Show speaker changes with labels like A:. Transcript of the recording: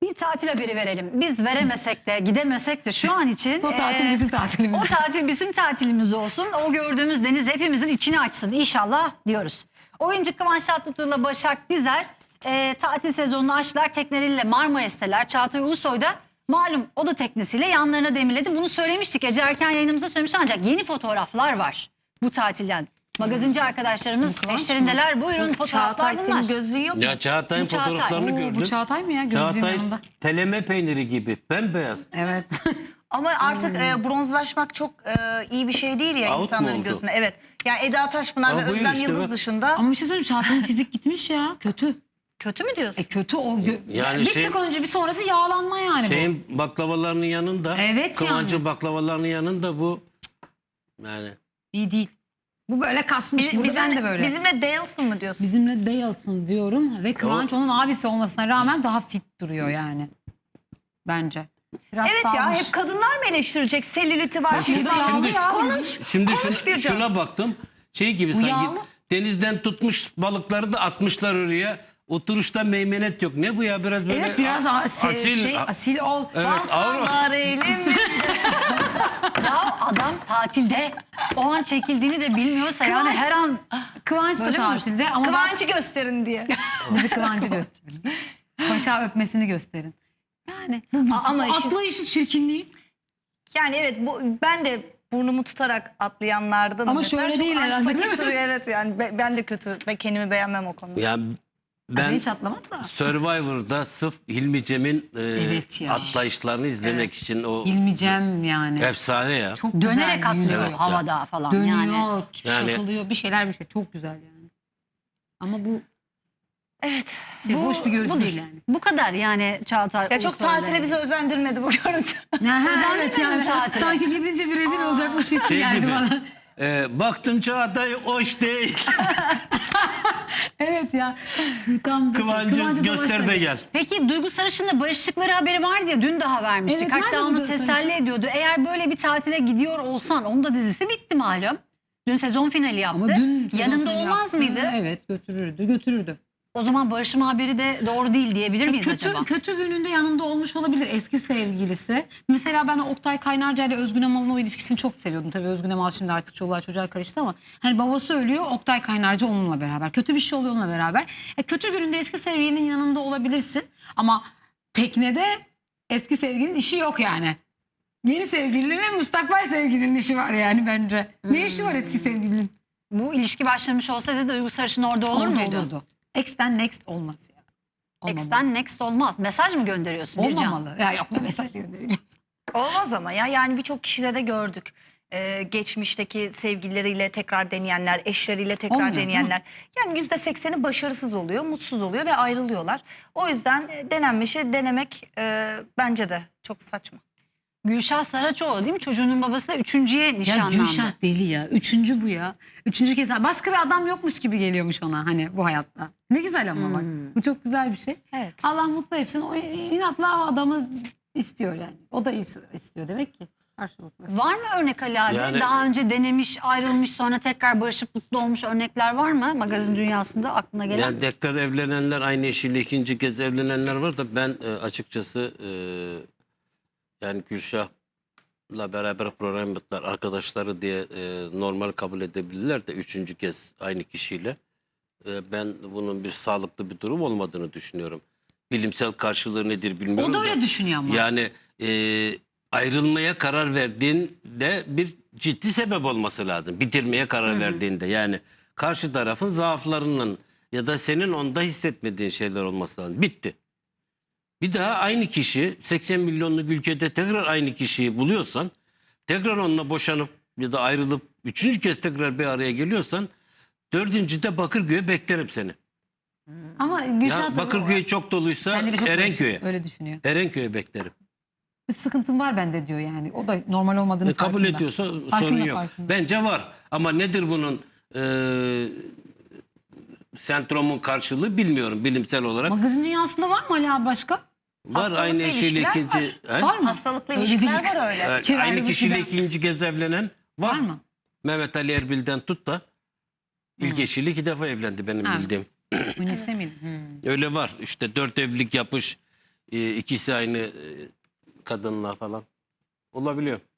A: Bir tatil haberi verelim. Biz veremesek de gidemesek de şu an için
B: O tatil bizim tatilimiz.
A: O tatil bizim tatilimiz olsun. O gördüğümüz deniz hepimizin içini açsın inşallah diyoruz. Oyuncu Kıvanç Tatlıtuğ'la Başak Dizer tatil sezonunu açtılar. Tekneleriyle Marmaris'teler. Çağatay Ulusoy da malum o da teknesiyle yanlarına demirledi. Bunu söylemiştik. Ece Erken yayınımızda söylemiştik ancak yeni fotoğraflar var bu tatilden. Magazinci arkadaşlarımız
B: Kıvanç
A: eşlerindeler. Buyurun fotoğraflar
C: Çağatay
A: bunlar.
C: senin gözlüğün yok mu?
D: Ya Çağatay'ın
A: Bu Çağatay.
D: fotoğraflarını
B: Oo,
D: gördüm.
B: bu Çağatay mı ya? Gözlüğün
D: Çağatay
B: yanında.
D: teleme peyniri gibi bembeyaz.
B: Evet.
C: Ama artık bronzlaşmak çok iyi bir şey değil ya
D: Out mu
C: insanların
D: oldu?
C: gözüne. Evet. Yani Eda Taşpınar ve
D: Ama buyur
C: Özlem
D: işte
C: Yıldız
D: bak.
C: dışında.
B: Ama bir şey söyleyeyim, Çağatay'ın fizik gitmiş ya. Kötü.
C: Kötü mü diyorsun?
B: Kötü o.
D: Yani
B: bir
D: şey-
B: tık önce bir sonrası yağlanma yani bu.
D: Şeyin baklavalarının yanında,
B: Evet
D: Kıvancı
B: yani.
D: baklavalarının yanında bu yani
B: İyi değil. Bu böyle kasmış. Burada ben de böyle.
C: Bizimle değilsin mı diyorsun?
B: Bizimle değilsin diyorum ve Kıvanç onun abisi olmasına rağmen daha fit duruyor yani. Bence. Biraz
C: Evet ya,
B: salmış.
C: hep kadınlar mı eleştirecek? Selüliti var.
B: Bak
C: şişman
B: burada yağlı
C: olmuş.
B: ya.
C: Konuş.
D: şimdi
C: Konuş bir canım.
D: şuna baktım. Şey gibi
B: Bu
D: sanki
B: yağlı.
D: denizden tutmuş balıkları da atmışlar oraya. Oturuşta meymenet yok. Ne bu ya, biraz böyle
B: Evet biraz
D: asil.
B: asil ol.
D: Evet, ağır.
C: Baltalar elimde.
A: Ya adam tatilde o an çekildiğini de bilmiyorsa yani
B: Kıvanç-
A: her an
B: Kıvanç da
A: Böyle mi
B: tatilde ama
C: Kıvancı gösterin diye.
B: bizi Kıvanç'ı gösterin. Başa öpmesini gösterin. Yani
C: Ama işin-
B: atlayışın çirkinliği.
C: Yani evet, ben de burnumu tutarak atlayanlardan.
B: Ama şöyle
C: çok
B: değil herhalde,
C: antipatik
B: değil mi?
C: duruyor, evet yani ben de kötü ve kendimi beğenmem o konuda.
D: Ya
B: Ben
D: ben
B: hiç atlamaz da.
D: Survivor'da sırf Hilmi Cem'in
B: Evet ya.
D: atlayışlarını izlemek için o
B: Hilmi Cem yani.
D: efsane ya.
B: Çok güzel
A: dönerek atlıyor
B: yüzüyor.
A: havada falan
B: Dönüyor,
A: yani.
D: Yani-
B: şakılıyor, bir şeyler. Çok güzel yani. Ama bu
C: Evet.
B: hoş bir görüntü
A: budur.
B: değil yani.
A: Bu kadar yani Çağatay.
C: Ya çok
A: Ulusoy'la.
C: tatile bizi özendirmedi bu görüntü.
B: Evet yani
A: tatile.
B: sanki gidince bir rezil olacakmış hissi
D: Şey
B: geldi
D: gibi.
B: bana.
D: Baktım Çağatay hoş değil.
B: Evet ya. Tam
D: Kıvancı göster de
B: dolaştı.
D: gel.
A: Peki Duygu Sarışın'la barıştıkları haberi vardı ya, dün daha vermiştik.
B: Evet,
A: Hatta
B: nerede
A: onu
B: bu Duygu
A: teselli
B: Sarışın?
A: ediyordu. Eğer böyle bir tatile gidiyor olsan, onun da dizisi bitti malum. Dün sezon finali yaptı.
B: Ama dün
A: Yanında olmaz mıydı?
B: Evet götürürdü.
A: O zaman barışma haberi de doğru değil diyebilir miyiz acaba?
B: Kötü gününde yanında olmuş olabilir eski sevgilisi. Mesela ben Oktay Kaynarca ile Özgün Amal'ın o ilişkisini çok seviyordum. Tabii Özgün Amal şimdi artık çoluğa çocuğa karıştı ama hani babası ölüyor, Oktay Kaynarca onunla beraber. Kötü bir şey oluyor onunla beraber. Kötü gününde eski sevgilinin yanında olabilirsin ama teknede eski sevgilinin işi yok yani. Yeni sevgilinin ve müstakbel sevgilinin işi var yani bence. Ne işi var eski sevgilinin?
A: Bu ilişki başlamış olsaydı Duygu Sarışın orada olur
B: Orada
A: muydu?
B: olurdu. Ex'ten next olmaz ya. Olmamalı.
A: X'ten next olmaz. Mesaj mı gönderiyorsun Bircan?
B: Olmamalı. Ya yok ne mesaj göndereceğim.
C: Olmaz ama ya, yani birçok kişide de gördük. Geçmişteki sevgilileriyle tekrar deneyenler, eşleriyle tekrar
B: Olmuyor, değil mi?
C: deneyenler. Yani %80'i başarısız oluyor, mutsuz oluyor ve ayrılıyorlar. O yüzden denenmişi denemek bence de çok saçma.
A: Gülşah Saraçoğlu değil mi? Çocuğunun babası da üçüncüye
B: Ya
A: nişanlandı.
B: Gülşah deli ya. Üçüncü bu ya. Üçüncü kez. Başka bir adam yokmuş gibi geliyormuş ona hani bu hayatta. Ne güzel ama bak. Bu çok güzel bir şey.
C: Evet.
B: Allah mutlu etsin. O inatla adamı istiyor yani. O da istiyor demek ki. Karşılıklı.
A: Var mı örnek Ali abi?
D: Yani-
A: Daha önce denemiş, ayrılmış, sonra tekrar barışıp mutlu olmuş örnekler var mı? Magazin dünyasında aklına gelen.
D: Yani tekrar evlenenler, aynı eşiyle ikinci kez evlenenler var da ben açıkçası yani Gülşah'la beraber program yaptılar, arkadaşları diye normal kabul edebilirler de üçüncü kez aynı kişiyle. Ben bunun bir sağlıklı bir durum olmadığını düşünüyorum. Bilimsel karşılığı nedir bilmiyorum
B: O da öyle düşünüyor ama.
D: Yani ayrılmaya karar verdiğinde bir ciddi sebep olması lazım. Bitirmeye karar verdiğinde yani karşı tarafın zaaflarının ya da senin onda hissetmediğin şeyler olması lazım. Bitti. Bir daha aynı kişi 80 milyonluk ülkede tekrar aynı kişiyi buluyorsan, tekrar onunla boşanıp ya da ayrılıp üçüncü kez tekrar bir araya geliyorsan, dördüncüde Bakırköy'e beklerim seni.
B: Ama Gülşah
D: Ya
B: da
D: Bakırköy çok doluysa
B: Kendini çok
D: Erenköy'e.
B: öyle düşünüyor.
D: Erenköy'e beklerim.
B: Bir sıkıntım var bende diyor yani. O da normal olmadığını
D: Kabul
B: farkında.
D: ediyorsa
B: Farkında,
D: sorun yok.
B: farkında.
D: Bence var. Ama nedir bunun sendromun karşılığı bilmiyorum bilimsel olarak.
B: Magazin dünyasında var mı Ali abi başka?
D: Var
C: hastalıklı
D: aynı eşiyle
C: ilişkiler
D: ikinci.
C: var.
D: He?
B: Var mı?
C: Hastalıklı
B: Öyle
C: ilişkiler
B: değil.
C: var öyle.
D: Evet,
B: Kira
D: aynı
B: ayrılık
D: kişiyle
B: giden.
D: ikinci kez evlenen var.
B: Var mı?
D: Mehmet Ali Erbil'den tut da ilk eşiyle 2 defa evlendi benim
B: Ha.
D: bildiğim.
B: Münise miydi? Hmm.
D: Öyle var. İşte 4 evlilik yapmış. ikisi aynı kadınla falan olabiliyor.